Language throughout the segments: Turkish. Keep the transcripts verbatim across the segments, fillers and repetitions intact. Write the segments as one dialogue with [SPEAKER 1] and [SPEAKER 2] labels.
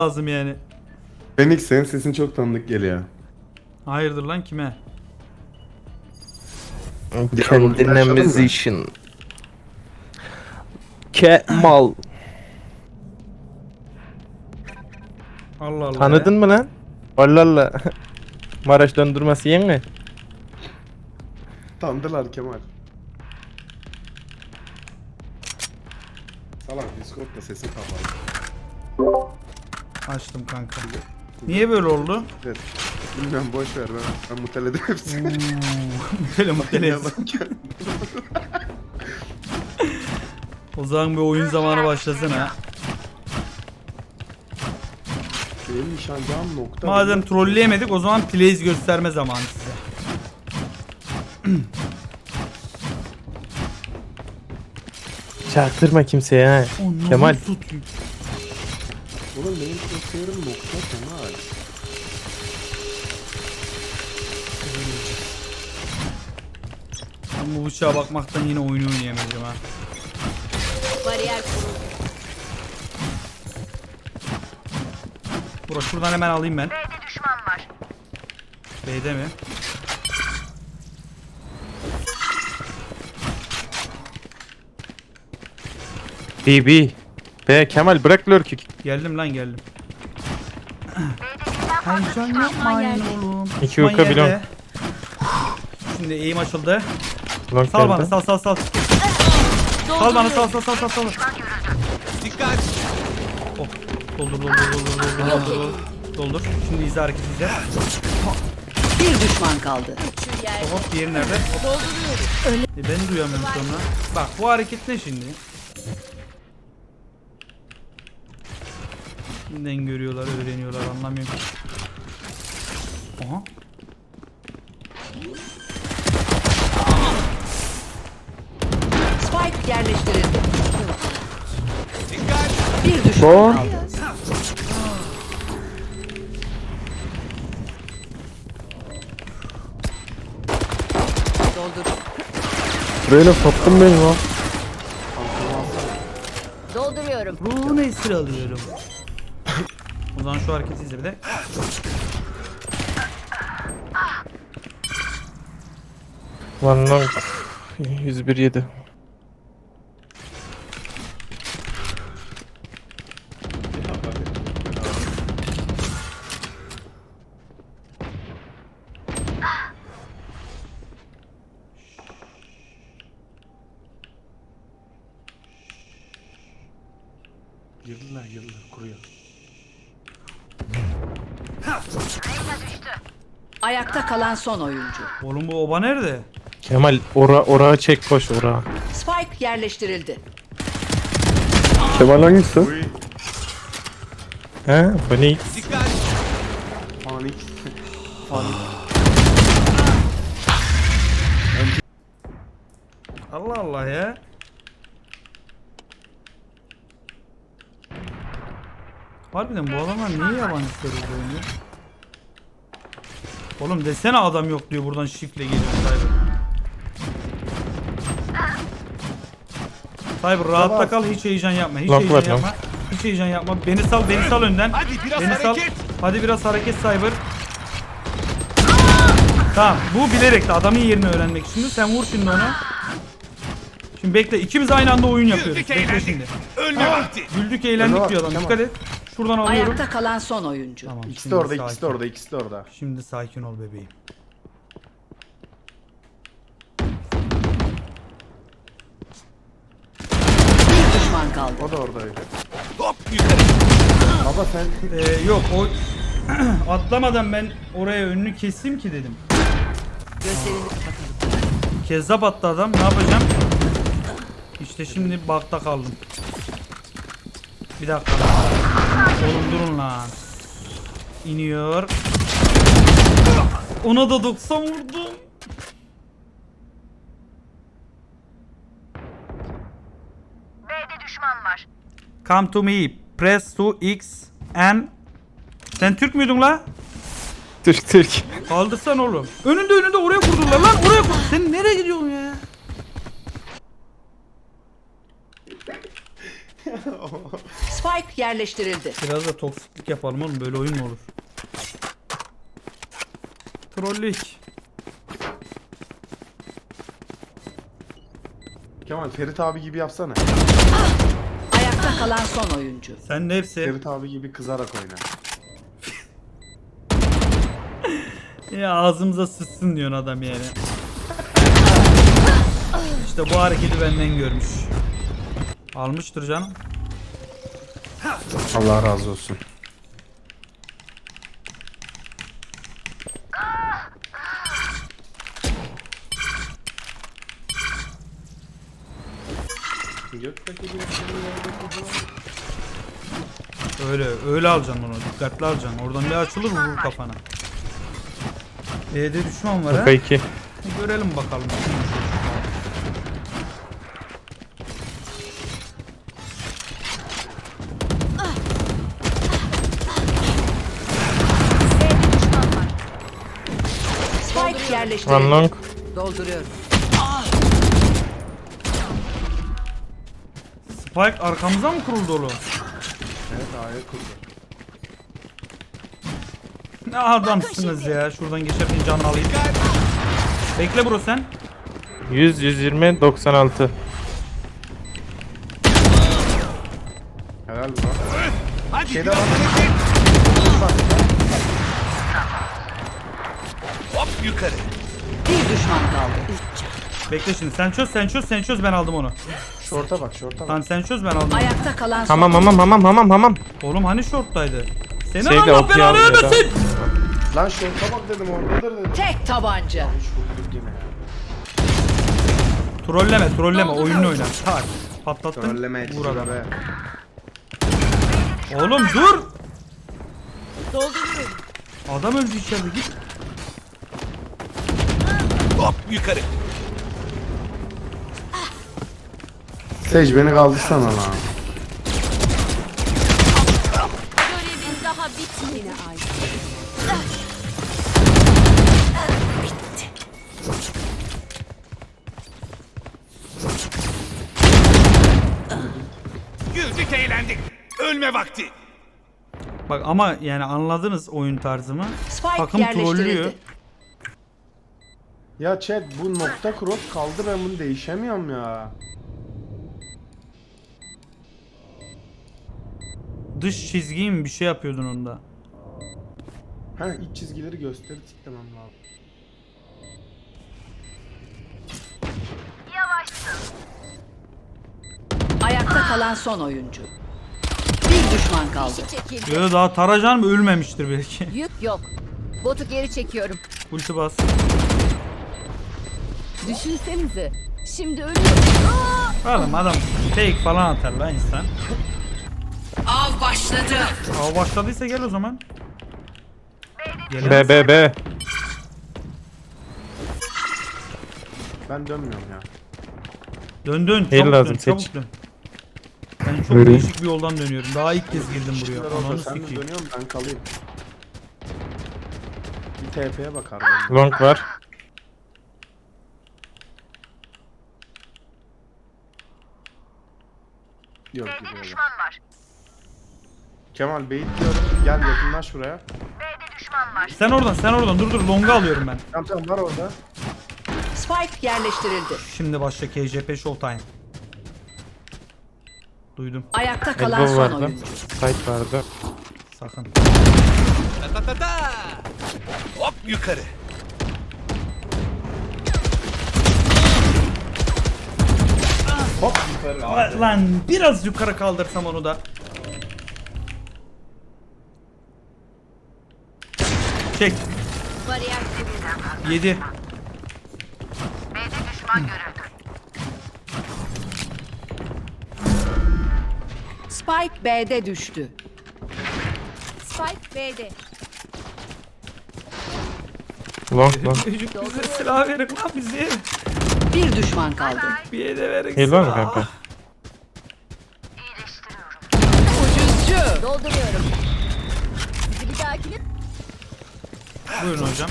[SPEAKER 1] lazım yani.
[SPEAKER 2] Phoenix senin sesin çok tanıdık geliyor.
[SPEAKER 1] Hayırdır lan kime?
[SPEAKER 3] Kendine musician. Kemal.
[SPEAKER 1] Allah Allah.
[SPEAKER 3] Tanıdın
[SPEAKER 1] ya.
[SPEAKER 3] mı lan? Allah Allah. Maraş dondurması yiyen mi?
[SPEAKER 2] Tanıdılar Kemal. Salak Discord'da sesin kapalı.
[SPEAKER 1] Açtım kanka. Niye böyle oldu?
[SPEAKER 2] Evet. Bilmem boş ver ben, ben muteledim hepsini.
[SPEAKER 1] Böyle mutlu
[SPEAKER 2] Yalan ki.
[SPEAKER 1] O zaman bir oyun zamanı başlasın ha.
[SPEAKER 2] Benim nişancağım nokta.
[SPEAKER 1] Madem trolleyemedik o zaman plays gösterme zamanı size.
[SPEAKER 3] Çaktırma kimseye ha.
[SPEAKER 1] Onu
[SPEAKER 3] Kemal.
[SPEAKER 1] tutayım.
[SPEAKER 2] Oğlum benim crosshair'ım nokta Kemal.
[SPEAKER 1] Ben bu bıçağa bakmaktan yine oyunu oynayamayacağım ha.
[SPEAKER 4] Bariyer kuruldu.
[SPEAKER 1] Bura şuradan hemen alayım ben. B'de düşman var. B'de mi?
[SPEAKER 3] B B. Be Kemal bırak lurk'ü.
[SPEAKER 1] Geldim lan geldim. Heyecan yapmayın oğlum.
[SPEAKER 3] İki
[SPEAKER 1] Düşman
[SPEAKER 3] uka
[SPEAKER 1] yerde.
[SPEAKER 3] bilon.
[SPEAKER 1] Şimdi eğim açıldı.
[SPEAKER 3] Long
[SPEAKER 1] Sal bana
[SPEAKER 3] geldi.
[SPEAKER 1] sal sal sal. Sal bana sal sal sal sal sal.
[SPEAKER 5] Dikkat!
[SPEAKER 1] Oh. Doldur doldur doldur doldur doldur doldur. Doldur. Şimdi izle hareket izle.
[SPEAKER 4] Bir düşman kaldı.
[SPEAKER 1] Hop diğeri nerede? Hop. E ben duyamıyorum sonra. Bak bu hareket ne şimdi? Şimdiden görüyorlar, öğreniyorlar, anlamıyorum ki. Aha.
[SPEAKER 4] Spike yerleştirildi.
[SPEAKER 5] Dikkat!
[SPEAKER 4] Bir düşman
[SPEAKER 3] Bon.
[SPEAKER 4] kaldı. Doldur.
[SPEAKER 3] Böyle sattın beni lan.
[SPEAKER 4] Dolduruyorum.
[SPEAKER 1] Ruhunu esir alıyorum. O zaman şu hareketi izle bir de.
[SPEAKER 3] One long. yüz bir yedi.
[SPEAKER 2] Yıllar yıllar kuruyor.
[SPEAKER 4] Ayakta kalan son oyuncu.
[SPEAKER 1] Oğlum bu oba nerede?
[SPEAKER 3] Kemal ora orağı çek boş orağı.
[SPEAKER 4] Spike yerleştirildi.
[SPEAKER 3] Kemal hangisi?
[SPEAKER 2] Uy.
[SPEAKER 3] He? Phoenix.
[SPEAKER 5] Dikkat!
[SPEAKER 2] Panik. Panik.
[SPEAKER 1] Allah Allah ya. Harbiden bu adamlar niye yabancı server oynuyor? Oğlum desene adam yok diyor buradan şifle geliyor Cyber. Cyber rahatta kal, hiç heyecan yapma, hiç
[SPEAKER 3] Lock
[SPEAKER 1] heyecan
[SPEAKER 3] var,
[SPEAKER 1] yapma. Hiç heyecan yapma. Beni sal, beni sal önden.
[SPEAKER 5] Hadi biraz
[SPEAKER 1] Beni sal.
[SPEAKER 5] hareket!
[SPEAKER 1] Hadi biraz hareket Cyber. Tamam, bu bilerek de adamın yerini öğrenmek için. Sen vur şimdi onu. Şimdi bekle, ikimiz aynı anda oyun yapıyoruz.
[SPEAKER 5] Güldük
[SPEAKER 1] Bekle
[SPEAKER 5] eğlendik.
[SPEAKER 1] şimdi.
[SPEAKER 5] Ölme vakti!
[SPEAKER 1] Güldük eğlendik
[SPEAKER 2] Tamam,
[SPEAKER 1] diyor adam.
[SPEAKER 2] tamam.
[SPEAKER 1] Dikkat et. Şuradan alıyorum.
[SPEAKER 4] Ayakta kalan son oyuncu.
[SPEAKER 1] Tamam.
[SPEAKER 2] İkisi
[SPEAKER 1] şimdi
[SPEAKER 2] de orada,
[SPEAKER 1] sakin.
[SPEAKER 2] ikisi de orada, ikisi de orada.
[SPEAKER 1] Şimdi sakin ol bebeğim.
[SPEAKER 4] Bir düşman kaldı.
[SPEAKER 2] O da oradaydı.
[SPEAKER 5] Hop yukarı!
[SPEAKER 2] Baba sen
[SPEAKER 1] Ee, yok o atlamadan ben oraya önünü keseyim ki dedim.
[SPEAKER 4] Gözlerini kapatalım.
[SPEAKER 1] Kezzap attı adam, ne yapacağım? İşte şimdi bakta kaldım. Bir dakika. Oğlum durun lan. İniyor. Ona da doksan vurdum.
[SPEAKER 6] B'de düşman var.
[SPEAKER 1] Come to me. Press to X and... Sen Türk müydün la?
[SPEAKER 3] Türk Türk.
[SPEAKER 1] Kaldırsan oğlum. Önünde önünde oraya kurdular lan. Oraya kur. Sen nereye gidiyorsun ya?
[SPEAKER 4] Spike yerleştirildi.
[SPEAKER 1] Biraz da toksiklik yapalım oğlum, böyle oyun mu olur? Trollük.
[SPEAKER 2] Kemal Ferit abi gibi yapsana.
[SPEAKER 4] Ayakta kalan son oyuncu.
[SPEAKER 1] Sen de hepsi.
[SPEAKER 2] Ferit abi gibi kızarak oyna.
[SPEAKER 1] Ya ağzımıza sıçsın diyorsun adam yani. İşte bu hareketi benden görmüş. Almıştır canım.
[SPEAKER 2] Allah razı olsun.
[SPEAKER 1] Öyle öyle alacaksın onu, dikkatli alacaksın. Oradan bir açılır vurur kafana. B'de düşman var ha.
[SPEAKER 3] K iki.
[SPEAKER 1] Görelim bakalım.
[SPEAKER 4] Spike
[SPEAKER 3] One
[SPEAKER 4] yerleştirildi.
[SPEAKER 3] long.
[SPEAKER 4] Dolduruyorum.
[SPEAKER 1] Spike arkamıza mı kuruldu oğlum?
[SPEAKER 2] Evet A'ya kurdu.
[SPEAKER 1] Ne adamsınız ya. Şuradan geçerken canını alayım. Bekle bro sen.
[SPEAKER 3] yüz, yüz yirmi, doksan altı.
[SPEAKER 2] Helal bro.
[SPEAKER 5] Hadi
[SPEAKER 2] Şeyde
[SPEAKER 5] biraz
[SPEAKER 2] var.
[SPEAKER 5] hareket. Hop yukarı.
[SPEAKER 4] Bir düşman kaldı.
[SPEAKER 1] Bekle şimdi. Sen çöz, sen çöz, sen çöz, ben aldım onu.
[SPEAKER 2] Şorta bak şorta bak.
[SPEAKER 1] Tamam sen çöz, ben aldım.
[SPEAKER 4] Ayakta kalan son.
[SPEAKER 3] Hamam hamam hamam hamam hamam.
[SPEAKER 1] Oğlum hani short'taydı? Seni
[SPEAKER 3] Şeyde
[SPEAKER 1] Allah
[SPEAKER 3] okuyor
[SPEAKER 1] belanı
[SPEAKER 3] ya da.
[SPEAKER 1] vermesin.
[SPEAKER 2] Lan şorta bak dedim oradadır dedim.
[SPEAKER 4] Tek tabanca.
[SPEAKER 2] Hiç vurduk yine ya.
[SPEAKER 1] Trolleme, trolleme. Oyununu oyna. Tak. Patlattın.
[SPEAKER 2] Trolleme
[SPEAKER 1] Vur adam.
[SPEAKER 2] be.
[SPEAKER 1] Oğlum dur. Adam öldü içeride, git.
[SPEAKER 5] Hop yukarı.
[SPEAKER 2] Sage beni kaldırsana lan.
[SPEAKER 7] Görevin daha bitmedi.
[SPEAKER 5] Güldük eğlendik. Ölme vakti.
[SPEAKER 1] Bak ama yani anladınız oyun tarzımı.
[SPEAKER 4] Spike
[SPEAKER 1] Takım trollüyor.
[SPEAKER 4] yerleştirildi.
[SPEAKER 2] Ya chat bu nokta cross kaldı, ben bunu değişemiyorum ya.
[SPEAKER 1] Dış çizgiyi mi bir şey yapıyordun onda?
[SPEAKER 2] Ha iç çizgileri gösterip tıklamam lazım.
[SPEAKER 6] Yavaşsın.
[SPEAKER 4] Ayakta kalan son oyuncu. Bir düşman kaldı.
[SPEAKER 7] Çekildi.
[SPEAKER 1] Yo daha Taracan mı ölmemiştir belki.
[SPEAKER 7] Yük yok. Botu geri çekiyorum.
[SPEAKER 1] Ulti bas.
[SPEAKER 7] Düşünsenize. Şimdi ölüyorum.
[SPEAKER 1] Oğlum adam fake falan atar lan insan.
[SPEAKER 4] Av başladı.
[SPEAKER 1] Aa başladıysa gel o zaman.
[SPEAKER 3] B
[SPEAKER 1] Gelemez.
[SPEAKER 3] B B.
[SPEAKER 2] Ben dönmüyorum ya.
[SPEAKER 1] Dön dön
[SPEAKER 3] Heal
[SPEAKER 1] çabuk
[SPEAKER 3] lazım,
[SPEAKER 1] dön çabuk
[SPEAKER 3] seç.
[SPEAKER 1] dön. Ben çok değişik bir yoldan dönüyorum. Daha ilk kez girdim buraya.
[SPEAKER 2] Şunlar orada,
[SPEAKER 1] Ananı
[SPEAKER 2] sen mi
[SPEAKER 1] sikeyim.
[SPEAKER 2] dönüyorsun ben kalayım. Bir T P'ye bakar benim.
[SPEAKER 3] Long var.
[SPEAKER 2] Yok
[SPEAKER 6] B'de
[SPEAKER 2] gidiyor.
[SPEAKER 6] düşman var.
[SPEAKER 2] Kemal beyit diyorum. Gel yakınlaş buraya.
[SPEAKER 6] B'de düşman var.
[SPEAKER 1] Sen oradan sen oradan dur dur longa alıyorum ben.
[SPEAKER 2] Tamam tamam var orada.
[SPEAKER 4] Spike yerleştirildi.
[SPEAKER 1] Şimdi başla K J P Showtime. Duydum.
[SPEAKER 4] Ayakta kalan
[SPEAKER 3] Elbow
[SPEAKER 4] son
[SPEAKER 3] vardı.
[SPEAKER 4] oyuncu.
[SPEAKER 3] Site vardı.
[SPEAKER 1] Sakın.
[SPEAKER 5] Ta ta ta ta. Hop yukarı.
[SPEAKER 2] Hop yukarı abi.
[SPEAKER 1] Lan biraz yukarı kaldırsam onu da. Çek.
[SPEAKER 7] Bariyer kuruldu.
[SPEAKER 1] yedi.
[SPEAKER 6] B'de düşman görüldü.
[SPEAKER 4] Spike B'de düştü.
[SPEAKER 7] Spike B'de.
[SPEAKER 3] Long long.
[SPEAKER 1] Çocuk bize silah verin lan bizi.
[SPEAKER 4] Bir düşman kaldı.
[SPEAKER 1] Bir yere verin.
[SPEAKER 3] Heal var mı
[SPEAKER 1] silah.
[SPEAKER 3] kanka?
[SPEAKER 6] İyileştiriyorum.
[SPEAKER 4] Ucuzcu.
[SPEAKER 7] Dolduruyorum. Bizi bir dahakine
[SPEAKER 1] Buyurun hocam.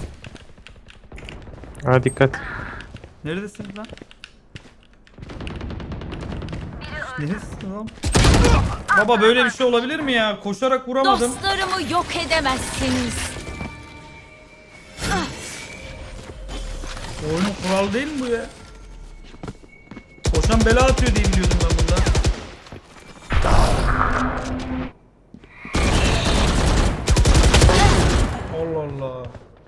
[SPEAKER 3] Ha dikkat.
[SPEAKER 1] Neredesiniz lan? Neredesiniz lan? Baba böyle bir şey olabilir mi ya? Koşarak vuramadım.
[SPEAKER 7] Dostlarımı yok edemezsiniz.
[SPEAKER 1] Oyunun kuralı değil mi bu ya? Koşan bela atıyor diye biliyordum ben bunda. Allah Allah.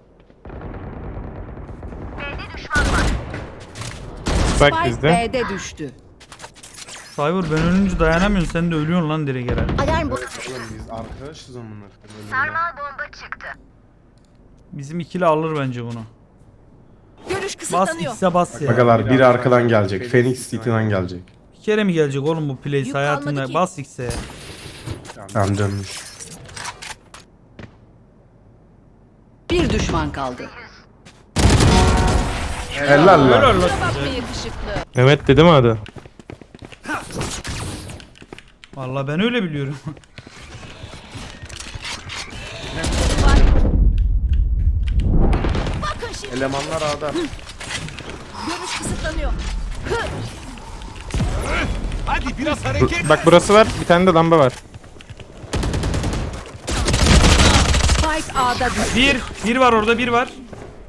[SPEAKER 6] B'de düşman var.
[SPEAKER 3] Spike
[SPEAKER 4] Spike
[SPEAKER 3] bizde.
[SPEAKER 4] B'de düştü.
[SPEAKER 1] Cyber ben ölünce dayanamıyorsun, sen de ölüyorsun lan direkt herhalde.
[SPEAKER 7] Alarm botu.
[SPEAKER 2] Oğlum biz arkadaşız onunla.
[SPEAKER 6] Sarmal bomba çıktı.
[SPEAKER 1] Bizim ikili alır bence bunu.
[SPEAKER 7] Görüş
[SPEAKER 1] Bas
[SPEAKER 7] kısıtlanıyor.
[SPEAKER 1] X'e bas ya.
[SPEAKER 2] Bagalar biri arkadan gelecek. Phoenix City'den gelecek.
[SPEAKER 1] Bir kere mi gelecek oğlum bu plays
[SPEAKER 7] Yük
[SPEAKER 1] hayatında?
[SPEAKER 7] kalmadı ki.
[SPEAKER 1] Bas X'e.
[SPEAKER 2] Tamam dönmüş.
[SPEAKER 4] Bir düşman kaldı.
[SPEAKER 2] Helal lan.
[SPEAKER 1] Helal lan.
[SPEAKER 7] Bakma yakışıklı.
[SPEAKER 3] Mehmet dedi mi adı?
[SPEAKER 1] Vallahi ben öyle biliyorum.
[SPEAKER 7] Bakın şimdi.
[SPEAKER 2] Elemanlar A'da.
[SPEAKER 7] Görüş kısıtlanıyor.
[SPEAKER 5] Hadi biraz hareket.
[SPEAKER 3] Bak burası var. Bir tane de lamba var.
[SPEAKER 4] Spike A'da düştü.
[SPEAKER 1] Bir, bir var orada, bir var.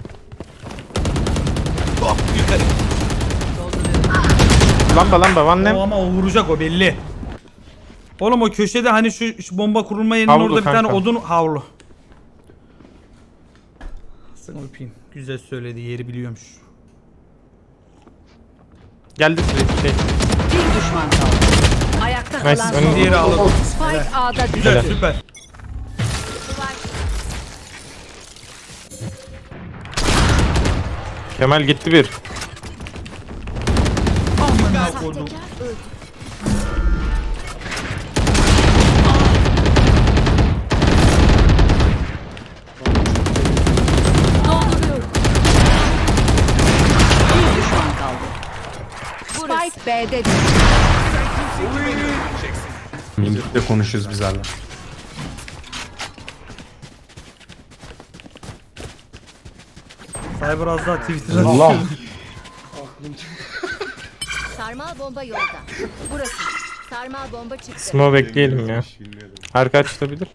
[SPEAKER 5] Hop yukarı.
[SPEAKER 3] Lamba lamba. One
[SPEAKER 1] O
[SPEAKER 3] lamp.
[SPEAKER 1] ama o vuracak, o belli. Oğlum o köşede hani şu, şu bomba kurulma yerinin
[SPEAKER 3] Havlu
[SPEAKER 1] orada bir tane
[SPEAKER 3] kanka.
[SPEAKER 1] odun havlu. Sana öpeyim. Güzel söyledi, yeri biliyormuş.
[SPEAKER 3] Geldi sürekli şey.
[SPEAKER 4] Bir düşman kaldı. Ayakta
[SPEAKER 3] Nice.
[SPEAKER 4] kalan
[SPEAKER 3] Önünü-
[SPEAKER 4] son.
[SPEAKER 1] Diğeri alalım.
[SPEAKER 4] Spike A'da düştü.
[SPEAKER 1] Güzel,
[SPEAKER 3] Helal.
[SPEAKER 1] süper.
[SPEAKER 3] Kemal gitti bir.
[SPEAKER 1] Amına koydum.
[SPEAKER 7] Tekrar öldü. Dolduruyorum.
[SPEAKER 4] Bir düşman kaldı. Spike B'de düştü.
[SPEAKER 2] Mimikle konuşuyoruz biz hala.
[SPEAKER 1] Cyber az daha Twitter'a
[SPEAKER 2] Allah.
[SPEAKER 7] Sarmal bomba yolda. Burası. Sarmal bomba çıktı.
[SPEAKER 3] Smoke bekleyelim ya. Arka açılabilir.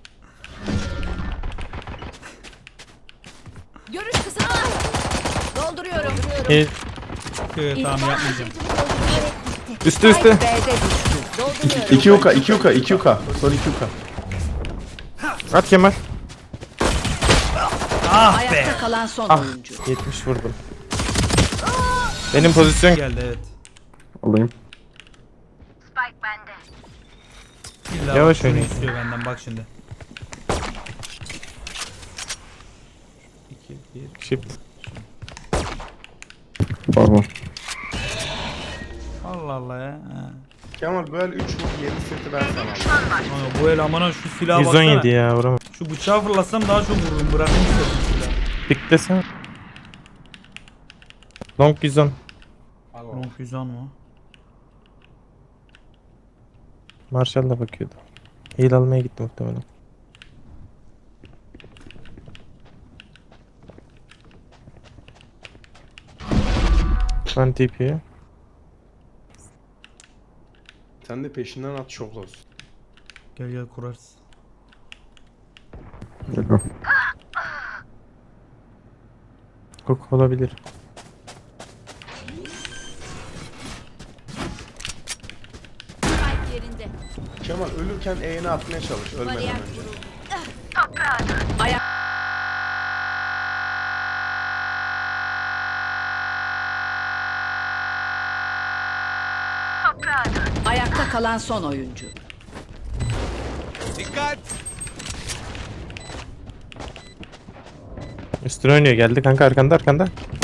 [SPEAKER 7] Görüş kısıtlanıyor. Dolduruyorum.
[SPEAKER 3] İyi.
[SPEAKER 1] Evet, tamam yapmayacağım.
[SPEAKER 3] Üstü üstü.
[SPEAKER 4] Spike B'de düştü.
[SPEAKER 7] Dolduruyorum.
[SPEAKER 2] iki uka, iki uka, iki uka. Son iki uka.
[SPEAKER 3] At Kemal.
[SPEAKER 1] Ah be.
[SPEAKER 4] Ayakta kalan son
[SPEAKER 3] Ah.
[SPEAKER 4] oyuncu.
[SPEAKER 3] yetmiş vurdum. Benim pozisyon
[SPEAKER 1] Geldi evet.
[SPEAKER 3] alayım.
[SPEAKER 6] Spike bende.
[SPEAKER 1] İlla
[SPEAKER 3] Yavaş
[SPEAKER 1] bak şunu
[SPEAKER 3] oynayın.
[SPEAKER 1] istiyor benden, bak şimdi. iki, bir.
[SPEAKER 3] Shift. Pardon.
[SPEAKER 1] Allah Allah ya. Ha.
[SPEAKER 2] Kemal böyle üç vur yedi seti ben sana aldım.
[SPEAKER 1] Ama bu el amana şu silaha
[SPEAKER 3] yüz on
[SPEAKER 1] baksana.
[SPEAKER 3] yedi ya vuramam.
[SPEAKER 1] Şu bıçağı fırlatsam daha çok vururum. Bırakayım istedim silahı.
[SPEAKER 3] Piklesen. Long yüz on.
[SPEAKER 1] Long yüz on mu?
[SPEAKER 3] Marshall da bakıyordu. Heal almaya gitti muhtemelen. Ben T P'ye.
[SPEAKER 2] Sen de peşinden at şok olsun.
[SPEAKER 1] Gel gel kurarız.
[SPEAKER 3] Hook olabilir.
[SPEAKER 7] Spike yerinde.
[SPEAKER 2] Kemal ölürken E'ni atmaya çalış ölmeden
[SPEAKER 7] Bariyer
[SPEAKER 2] önce.
[SPEAKER 7] kuruldu.
[SPEAKER 4] Ayak Ayakta kalan son oyuncu.
[SPEAKER 5] Dikkat.
[SPEAKER 3] Üstüne oynuyor, geldi kanka, arkanda arkanda.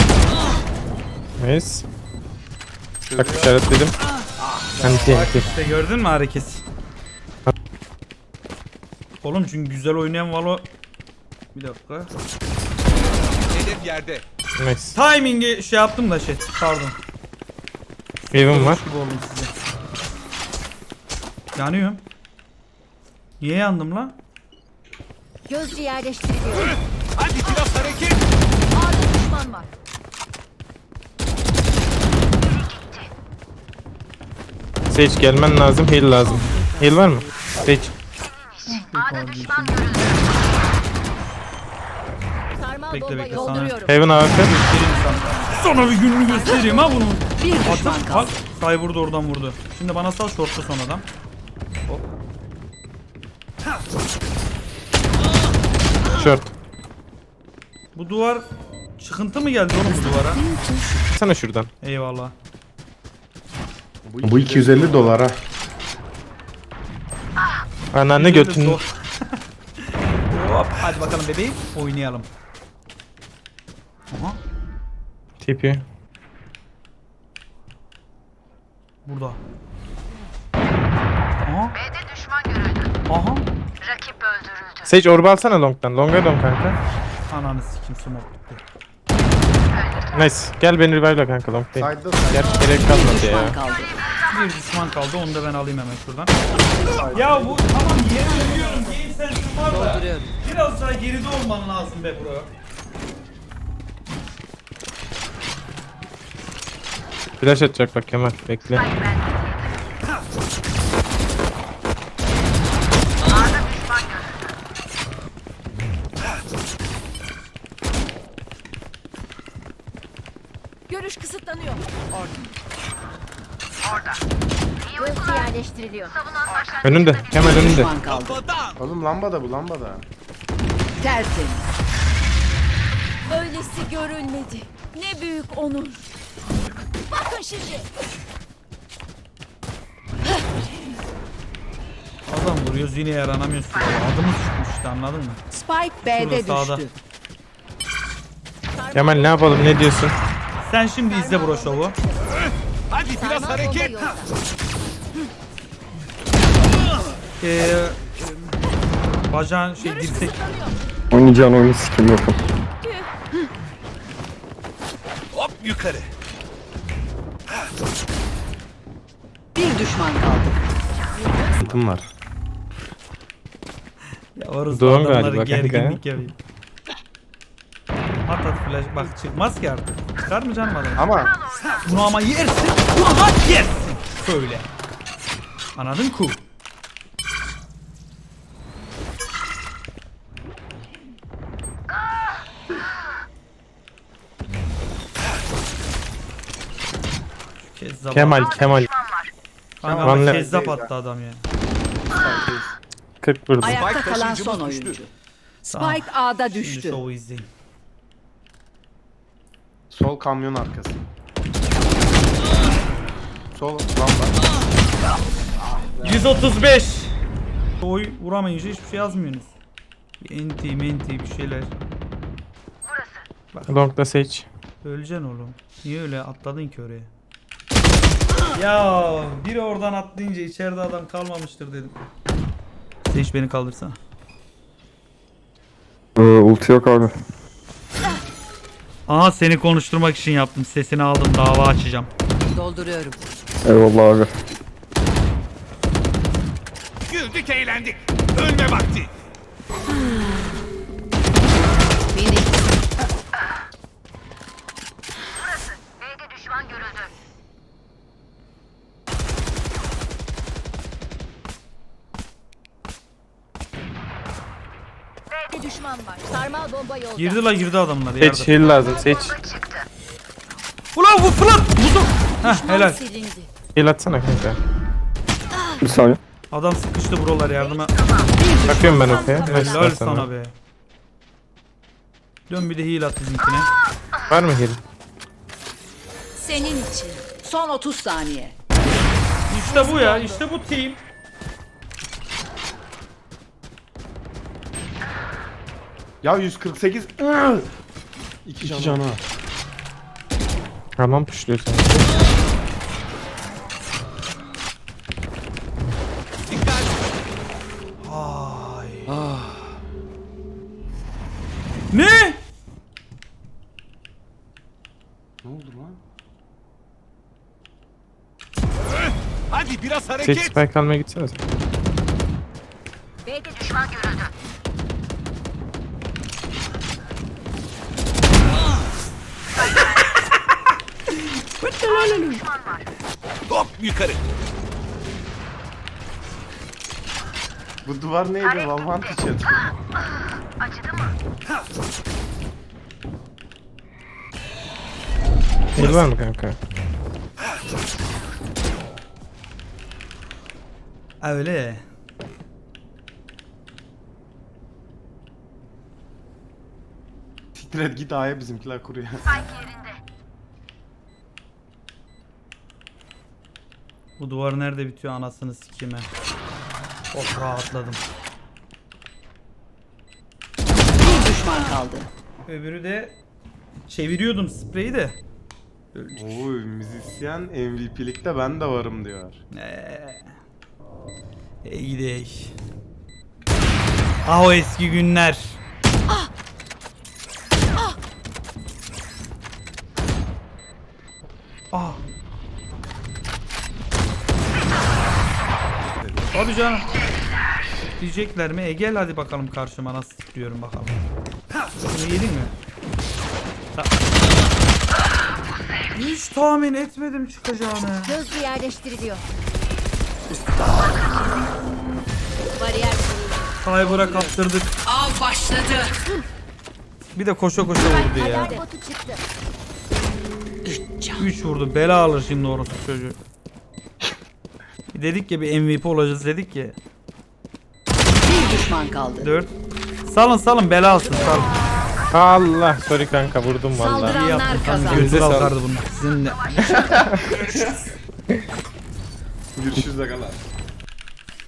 [SPEAKER 3] Nice. Bak işaretledim. Anti anti.
[SPEAKER 1] İşte gördün mü hareket? Oğlum çünkü güzel oynayan Valo... Bir dakika.
[SPEAKER 5] Hedef yerde.
[SPEAKER 3] Nice.
[SPEAKER 1] Timing'i şey yaptım da şey. Pardon.
[SPEAKER 3] Wave'im var.
[SPEAKER 1] Gibi oldum size. Yanıyorum. Niye yandım lan?
[SPEAKER 7] Gözcü yerleştiriliyor.
[SPEAKER 5] Hadi biraz hareket.
[SPEAKER 7] A'da düşman var.
[SPEAKER 3] Sage gelmen lazım, heal lazım. Heal var mı? Sage.
[SPEAKER 6] A'da düşman görüldü.
[SPEAKER 7] Sarmal
[SPEAKER 1] Bekle,
[SPEAKER 7] bomba
[SPEAKER 1] bekle,
[SPEAKER 7] yolda.
[SPEAKER 1] sana-
[SPEAKER 4] Dolduruyorum.
[SPEAKER 3] Heaven A F K.
[SPEAKER 1] Göstereyim sana. Sana bir gününü göstereyim ha bunun.
[SPEAKER 4] Bir düşman
[SPEAKER 1] Atın bak.
[SPEAKER 4] kaldı.
[SPEAKER 1] Say vurdu oradan vurdu. Şimdi bana sal short'ta son adam. Hop.
[SPEAKER 3] Short.
[SPEAKER 1] Bu duvar çıkıntı mı geldi oğlum bu duvara?
[SPEAKER 3] Sana şuradan.
[SPEAKER 1] Eyvallah.
[SPEAKER 2] Bu iki yüz elli dolar ha.
[SPEAKER 3] Anneanne götün.
[SPEAKER 1] Hop hadi bakalım bebeğim oynayalım. Aha
[SPEAKER 3] Tipi.
[SPEAKER 1] burada. Aha
[SPEAKER 6] B'de düşman görüldü.
[SPEAKER 1] aha.
[SPEAKER 6] Rakip öldürüldü.
[SPEAKER 3] Sage orba alsana long'dan. Long'a dön kanka.
[SPEAKER 1] Ananı sikim smoke bitti.
[SPEAKER 3] Nice. Gel beni revive'la kanka long değil.
[SPEAKER 2] Side'da side.
[SPEAKER 3] Gerçi gerek
[SPEAKER 4] Bir
[SPEAKER 3] kalmadı
[SPEAKER 4] düşman
[SPEAKER 3] ya.
[SPEAKER 4] kaldı.
[SPEAKER 1] Bir düşman kaldı onu da ben alayım hemen şuradan. Ya bu tamam yeri biliyorum game sensin var da.
[SPEAKER 4] Dolduruyorum.
[SPEAKER 1] Biraz daha geride olman lazım be bro.
[SPEAKER 3] Flash atacak bak Kemal. Bekle.
[SPEAKER 7] Görüş kısıtlanıyor.
[SPEAKER 6] İyi
[SPEAKER 7] Ulti
[SPEAKER 6] uykular.
[SPEAKER 7] yerleştiriliyor.
[SPEAKER 6] Savunan başlangıçta
[SPEAKER 3] Önünde. Kemal
[SPEAKER 4] Bir
[SPEAKER 3] önünde.
[SPEAKER 4] düşman kaldı.
[SPEAKER 5] Kafadan.
[SPEAKER 2] Oğlum lambada bu lambada.
[SPEAKER 4] Tertemiz.
[SPEAKER 7] Öylesi görülmedi. Ne büyük onur. Bakın şimdi.
[SPEAKER 1] Adam vuruyoruz yine yaranamıyorsun. Adımız çıkmış işte anladın mı?
[SPEAKER 4] Spike B'de
[SPEAKER 1] Şurada, sağda.
[SPEAKER 4] düştü.
[SPEAKER 3] Kemal ne yapalım ne diyorsun?
[SPEAKER 1] Sen şimdi izle bro şovu.
[SPEAKER 5] Hadi biraz
[SPEAKER 7] Sarmal bomba
[SPEAKER 5] hareket.
[SPEAKER 7] yolda.
[SPEAKER 1] Ee, bacağın şey
[SPEAKER 7] Görüş
[SPEAKER 1] dirsek.
[SPEAKER 7] kısıtlanıyor.
[SPEAKER 8] Oynayacağın oyunu sikim yokum.
[SPEAKER 5] Hop yukarı.
[SPEAKER 4] Bir düşman kaldı.
[SPEAKER 2] Sıkıntım var.
[SPEAKER 1] Ya varız
[SPEAKER 3] Doğum
[SPEAKER 1] adamları
[SPEAKER 3] galiba kanka.
[SPEAKER 1] gerginlik yapayım. At at flash bak çıkmaz ki artık. Çıkar mı canım adam?
[SPEAKER 2] Ama
[SPEAKER 1] Bunu ama yersin. Bunu da yersin. Söyle. Anladın ku? Kezzap
[SPEAKER 3] Kemal Kemal.
[SPEAKER 1] Kanka
[SPEAKER 3] Van Le-
[SPEAKER 1] kezzap attı adam ya.
[SPEAKER 3] kırk vurdu.
[SPEAKER 4] Ayakta
[SPEAKER 5] Spike
[SPEAKER 4] kalan
[SPEAKER 5] taşıyıcımız
[SPEAKER 4] son
[SPEAKER 5] düştü.
[SPEAKER 4] oyuncu. Spike A'da
[SPEAKER 1] Şimdi
[SPEAKER 4] düştü.
[SPEAKER 1] şovu izleyin.
[SPEAKER 2] sol kamyon arkası. Sol lamba.
[SPEAKER 1] yüz otuz beş. Oy vuramayınca hiçbir şey yazmıyorsunuz. Bir enti menti bir şeyler.
[SPEAKER 3] Long'da Sage.
[SPEAKER 1] Öleceksin oğlum. Niye öyle atladın ki oraya? Ya biri oradan atlayınca içeride adam kalmamıştır dedim. Seç beni kaldırsana.
[SPEAKER 8] Ee, ulti yok abi.
[SPEAKER 1] Aha seni konuşturmak için yaptım. Sesini aldım. Dava açacağım.
[SPEAKER 4] Dolduruyorum.
[SPEAKER 8] Eyvallah abi.
[SPEAKER 5] Güldük eğlendik. Ölme vakti.
[SPEAKER 4] Beni
[SPEAKER 6] B'de düşman görüldü.
[SPEAKER 7] Bir düşman var. Sarmal bomba yolda.
[SPEAKER 1] Girdi la girdi adamlar.
[SPEAKER 3] Sage
[SPEAKER 1] Yardım.
[SPEAKER 3] heal lazım Sage.
[SPEAKER 1] Ulan bu fırlat. Buldum. Heh
[SPEAKER 7] Düşman
[SPEAKER 1] helal.
[SPEAKER 7] silindi.
[SPEAKER 3] Heal atsana kanka.
[SPEAKER 8] Bir saniye.
[SPEAKER 1] Adam sıkıştı buralar yardıma.
[SPEAKER 3] Bakıyorum ben okey.
[SPEAKER 1] Helal sana be. Dön bir de heal at bizimkine.
[SPEAKER 3] Var mı heal?
[SPEAKER 7] Senin için.
[SPEAKER 4] son otuz saniye.
[SPEAKER 1] İşte bu ya. İşte bu team.
[SPEAKER 2] Ya yüz kırk sekiz. Iıı! İki canı. canı.
[SPEAKER 3] Tamam pushluyor seni.
[SPEAKER 5] Dikkat.
[SPEAKER 1] Ne?
[SPEAKER 2] Ne oldu lan?
[SPEAKER 5] Hadi biraz
[SPEAKER 3] Sage
[SPEAKER 5] hareket.
[SPEAKER 3] spike almaya gitsene sen.
[SPEAKER 6] B'de düşman görüldü.
[SPEAKER 5] Hop yukarı.
[SPEAKER 2] Bu duvar neydi? Valhant için.
[SPEAKER 3] El var mı kanka?
[SPEAKER 1] Ha, öyle.
[SPEAKER 2] Siktir et git A'ya bizimkiler kuruyor.
[SPEAKER 1] Bu duvar nerede bitiyor anasını sikime. Çok rahatladım.
[SPEAKER 4] Bir düşman kaldı.
[SPEAKER 1] Öbürü de çeviriyordum spreyi de.
[SPEAKER 2] Oy müzisyen M V P'likte ben de varım diyor.
[SPEAKER 1] Eee. İyi gidelim. Ah o eski günler. Ah. Hadi canım. Diyecekler mi? E gel hadi bakalım karşıma nasıl tutuyorum bakalım. Bunu yedin mi? Ta- Hiç tahmin etmedim çıkacağını.
[SPEAKER 7] Hızlı yerleştiriliyor. Bariyer kuruldu.
[SPEAKER 1] Cyber'a kaptırdık.
[SPEAKER 4] Av başladı.
[SPEAKER 1] Bir de koşa koşa vurdu ya.
[SPEAKER 7] Alarm botu çıktı.
[SPEAKER 1] üç vurdu. Bela alır şimdi orası çocuğu. Dedik ya bir M V P olacağız dedik ya.
[SPEAKER 4] Bir düşman kaldı.
[SPEAKER 1] dört. Salın salın bela alsın salın.
[SPEAKER 3] Allah sorry kanka vurdum valla.
[SPEAKER 1] İyi
[SPEAKER 4] Saldıranlar
[SPEAKER 1] yaptın. Tam
[SPEAKER 4] kazandı.
[SPEAKER 1] götü
[SPEAKER 3] Elinize
[SPEAKER 1] kalkardı bunlar. Sizinle.
[SPEAKER 2] Görüşürüz de kalan.